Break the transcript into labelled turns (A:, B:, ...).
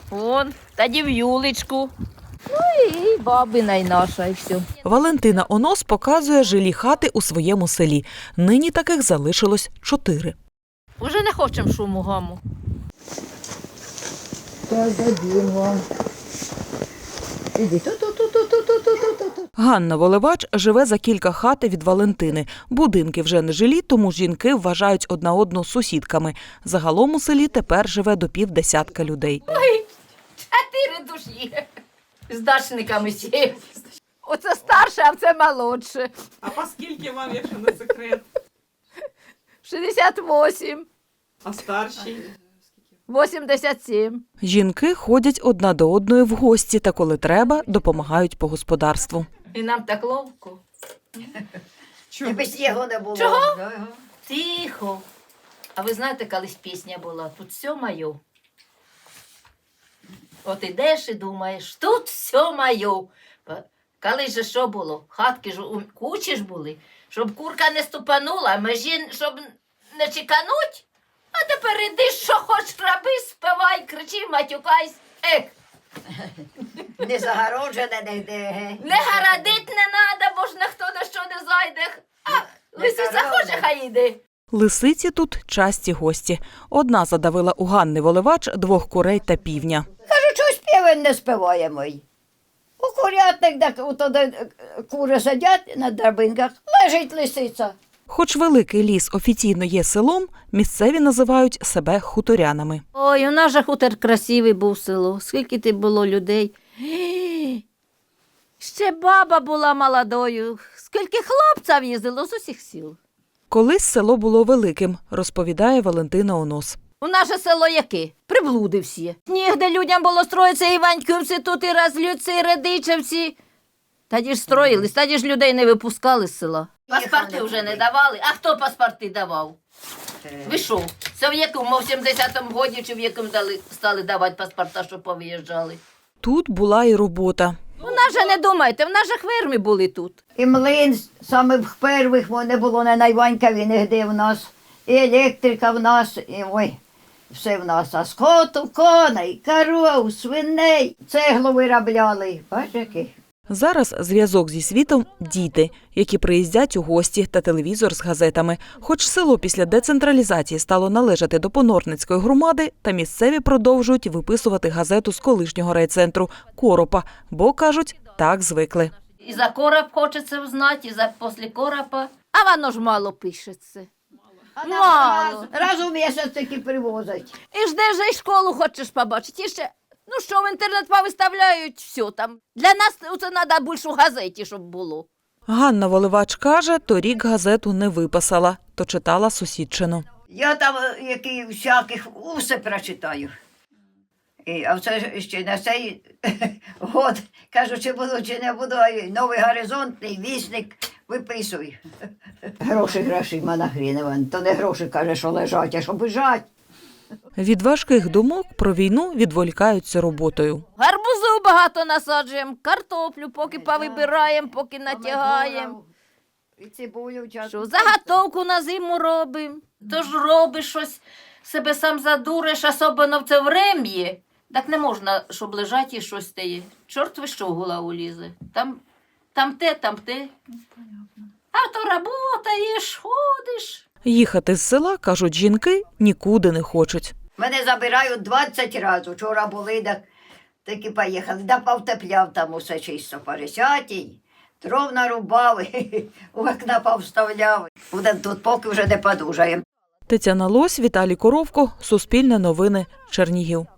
A: Вон, тоді в Юлечку. Ну і бабина й наша, і все.
B: Валентина Онос показує жилі хати у своєму селі. Нині таких залишилось 4.
A: Уже не хочемо шуму гаму.
C: Так, дадим вам. Іди, ту-ту-ту-ту-ту-ту-ту-ту.
B: Ганна Воливач живе за кілька хат від Валентини. Будинки вже не жилі, тому жінки вважають одна одну сусідками. Загалом у селі тепер живе до 50 людей.
A: 4 душі. З дачниками сів. Оце старше, а це молодше.
D: А по скільки вам, якщо не секрет?
A: 68,
D: А старші?
A: 87.
B: Жінки ходять одна до одної в гості та, коли треба, допомагають по господарству.
A: І нам так ловко.
D: Чого?
C: Без його не було.
A: Чого?
C: Да.
A: Тихо. А ви знаєте, колись пісня була «Тут все моє». От ідеш і думаєш, тут все моє. Колись же що було? Хатки ж у кучі ж були, щоб курка не ступанула, межі, щоб не чекануть. А тепер іди, що хоч роби, співай, кричи, матюкайся.
C: Не загороджене нігде.
A: Не гарадить не надо, бо ж ніхто на що не зайде. А лисиця хоче, хай йде.
B: Лисиці тут часті гості. Одна задавила у Ганни Воливач 2 курей та півня.
C: Кажу, чогось півень не співаємо. У курятник, де туди кури сидять на драбинках, лежить лисиця.
B: Хоч великий ліс офіційно є селом, місцеві називають себе хуторянами.
A: Ой, у нас же хутор красивий був село. Скільки ти було людей. Ще баба була молодою. Скільки хлопців їздило з усіх сіл.
B: Колись село було великим, розповідає Валентина Онос.
A: У наше село яке? Приблуди всі. Нігде людям було строїться Іваньківці, тут і Разлюці, і Радичевці. Тоді ж строїлись, тоді ж людей не випускали з села. Паспорти вже не давали. А хто паспорти давав? Ви що? Це в якому, в 70-му році чи в якому стали давати паспорта, щоб повиїжджали?
B: Тут була і робота.
A: У нас же не думайте, в нас же хверми були тут.
C: І млин самих перших не було на Найванькові нігде в нас. І електрика в нас, і ой, все в нас. А скоту, коней, коров, свиней, цеглу виробляли. Бачиш, який?
B: Зараз зв'язок зі світом – діти, які приїздять у гості та телевізор з газетами. Хоч село після децентралізації стало належати до Понорницької громади, та місцеві продовжують виписувати газету з колишнього райцентру – Коропа, бо, кажуть, так звикли.
A: І за короб хочеться знати, і за після коропа. А воно ж мало пишеться. Мало.
C: Раз у місяць таки привозять.
A: І ж де ж і школу хочеш побачити. І ще, ну що, в інтернет повиставляють, все там. Для нас це треба більше у газеті, щоб було.
B: Ганна Воливач каже, торік газету не виписала, то читала сусідчину.
C: Я там які всяких усе прочитаю. А це ще на цей год, кажу, чи буду, чи не буду, а новий горизонтний вісник виписуй. Гроші, манахріневан. То не гроші, каже, що лежать, а що бежать.
B: Від важких думок про війну відволікаються роботою.
A: Гарбузу багато насаджуємо, картоплю поки повибираємо, поки натягаємо.
C: І цибулю
A: Що,
C: часто.
A: заготовку на зиму робимо. Тож робиш щось, себе сам задуриш, особливо в це врем'ї. Так не можна, щоб лежать і щось стає. Чорт ви що в голову лізе. Там те. А то работаєш, ходиш.
B: Їхати з села, кажуть жінки, нікуди не хочуть.
C: Мене забирають 20 разів. Вчора були, так і поїхали. Да повтепляв там усе чисто по 10-й. Дров нарубав, у окна повставляв. Буде тут, поки вже не подужаємо.
B: Тетяна Лось, Віталій Коровко, Суспільне новини, Чернігів.